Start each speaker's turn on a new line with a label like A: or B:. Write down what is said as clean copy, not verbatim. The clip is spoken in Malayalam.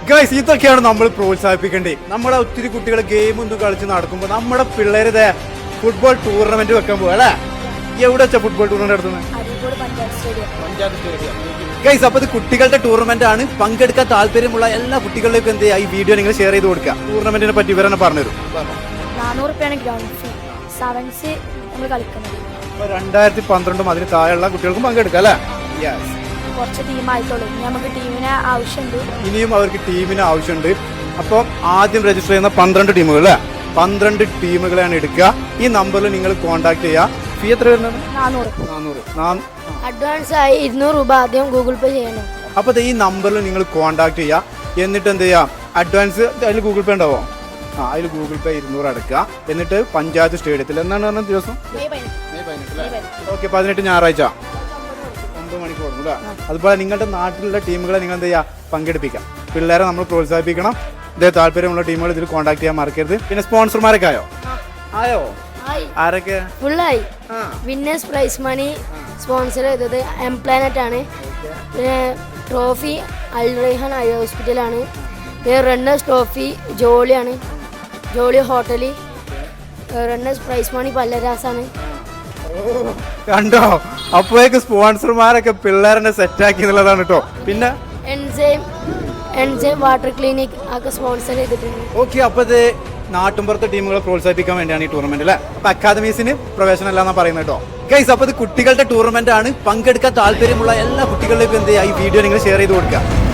A: ഗൈസ്, ഇതൊക്കെയാണ് നമ്മൾ പ്രോത്സാഹിപ്പിക്കേണ്ടത്. നമ്മളെ ഒത്തിരി കുട്ടികൾ ഗെയിം ഒന്നും കളിച്ച് നടക്കുമ്പോൾ നമ്മുടെ പിള്ളേരുടെ ഫുട്ബോൾ ടൂർണമെന്റ് വെക്കാൻ പോകും അല്ലേ? എവിടെ വെച്ചാ ഫുട്ബോൾ ടൂർണമെന്റ് നടത്തുന്നത്? ഗൈസ്, അപ്പൊ ഇത് കുട്ടികളുടെ ടൂർണമെന്റ് ആണ്. പങ്കെടുക്കാൻ താല്പര്യമുള്ള എല്ലാ കുട്ടികളിലേക്കും എന്ത് ചെയ്യുക, ഈ വീഡിയോ നിങ്ങൾ ഷെയർ ചെയ്ത് കൊടുക്കുക. ടൂർണമെന്റിനെ പറ്റി ഇവരെന്നെ പറഞ്ഞുതരും.
B: 400 ഗ്രൗണ്ട് ഫീ. സെവൻസ് നമ്മൾ കളിക്കുന്നത്
A: 2012 അതിന് താഴെയുള്ള കുട്ടികൾക്കും പങ്കെടുക്കാം അല്ലേ? യെസ്.
B: കുറച്ച് ടീമായിട്ടുള്ളൂ. ഇനി നമുക്ക് ടീമിനെ ആവശ്യമുണ്ട്.
A: ഇനിയും അവർക്ക് ടീമിന് ആവശ്യമുണ്ട്. അപ്പോൾ ആദ്യം രജിസ്റ്റർ ചെയ്യുന്ന 12 ടീമുകൾ അല്ലേ? 12 ടീമുകളെയാണ് എടുക്കുക. ഈ നമ്പറിൽ നിങ്ങൾ കോൺടാക്ട് ചെയ്യുക. ഫീ എത്ര വരുന്നത്? 400.
B: അഡ്വാൻസ് ആയി 200 രൂപ ആദ്യം ഗൂഗിൾ പേ ചെയ്യണം.
A: അപ്പോൾ ഈ നമ്പറിൽ നിങ്ങൾ കോൺടാക്ട് ചെയ്യുക. എന്നിട്ട് എന്ത് ചെയ്യുക, അഡ്വാൻസ് അതിൽ ഗൂഗിൾ പേ ഉണ്ടാവോ? അതിൽ ഗൂഗിൾ പേ 200 അടക്കുക. എന്നിട്ട് പഞ്ചായത്ത് സ്റ്റേഡിയത്തിൽ എന്നാണ് പറഞ്ഞ ദിവസം? മെയ് 18. ഓക്കെ, 18 ഞായറാഴ്ച 9 മണിക്ക് കൊടുക്കും അല്ലേ? അതുപോലെ നിങ്ങളുടെ നാട്ടിലുള്ള ടീമുകളെ നിങ്ങൾ എന്ത് ചെയ്യുക, പങ്കെടുപ്പിക്കാം. പിള്ളേരെ നമ്മൾ പ്രോത്സാഹിപ്പിക്കണം. ഇതേ താല്പര്യമുള്ള ടീമുകൾ ഇതിൽ കോൺടാക്ട് ചെയ്യാൻ മറക്കരുത്. പിന്നെ സ്പോൺസർമാരൊക്കെ ആയോ? ആരൊക്കെ?
B: ഫുള്ളായി. വിന്നേഴ്സ് പ്രൈസ് മണി സ്പോൺസർ ചെയ്തത് എം പ്ലാനറ്റ് ആണ്. ട്രോഫി അൽ റൈഹാൻ ഐ ഹോസ്പിറ്റലാണ്. റണ്ണേഴ്സ് ട്രോഫി ജോളിയാണ്, Jolly hotel. Runners prize money പല്ലരാസാണ്.
A: കണ്ടോ, അപ്പോഴേക്ക് സ്പോൺസർമാരൊക്കെ പിള്ളേരെ സെറ്റാക്കി എന്നുള്ളതാണ് കേട്ടോ. പിന്നെ
B: എൻജെയിം വാട്ടർ ക്ലിനിക് ഒക്കെ സ്പോൺസർ ചെയ്തിട്ടുണ്ട്.
A: ഓക്കെ, അപ്പോൾ ഇത് നാട്ടുമ്പുറത്തെ ടീമുകളെ പ്രോത്സാഹിപ്പിക്കാൻ വേണ്ടിയാണ് ഈ ടൂർണമെന്റ് അല്ലേ? അപ്പൊ അക്കാദമീസിന് പ്രവേശനം അല്ലാന്നാ പറയുന്നത് കേട്ടോ. ഗൈസ്, അപ്പോൾ ഇത് കുട്ടികളുടെ ടൂർണമെന്റ് ആണ്. പങ്കെടുക്കാൻ താല്പര്യമുള്ള എല്ലാ കുട്ടികളിലേക്കും എന്ത് ചെയ്യുക, ഈ വീഡിയോ നിങ്ങൾ ഷെയർ ചെയ്ത് കൊടുക്കുക.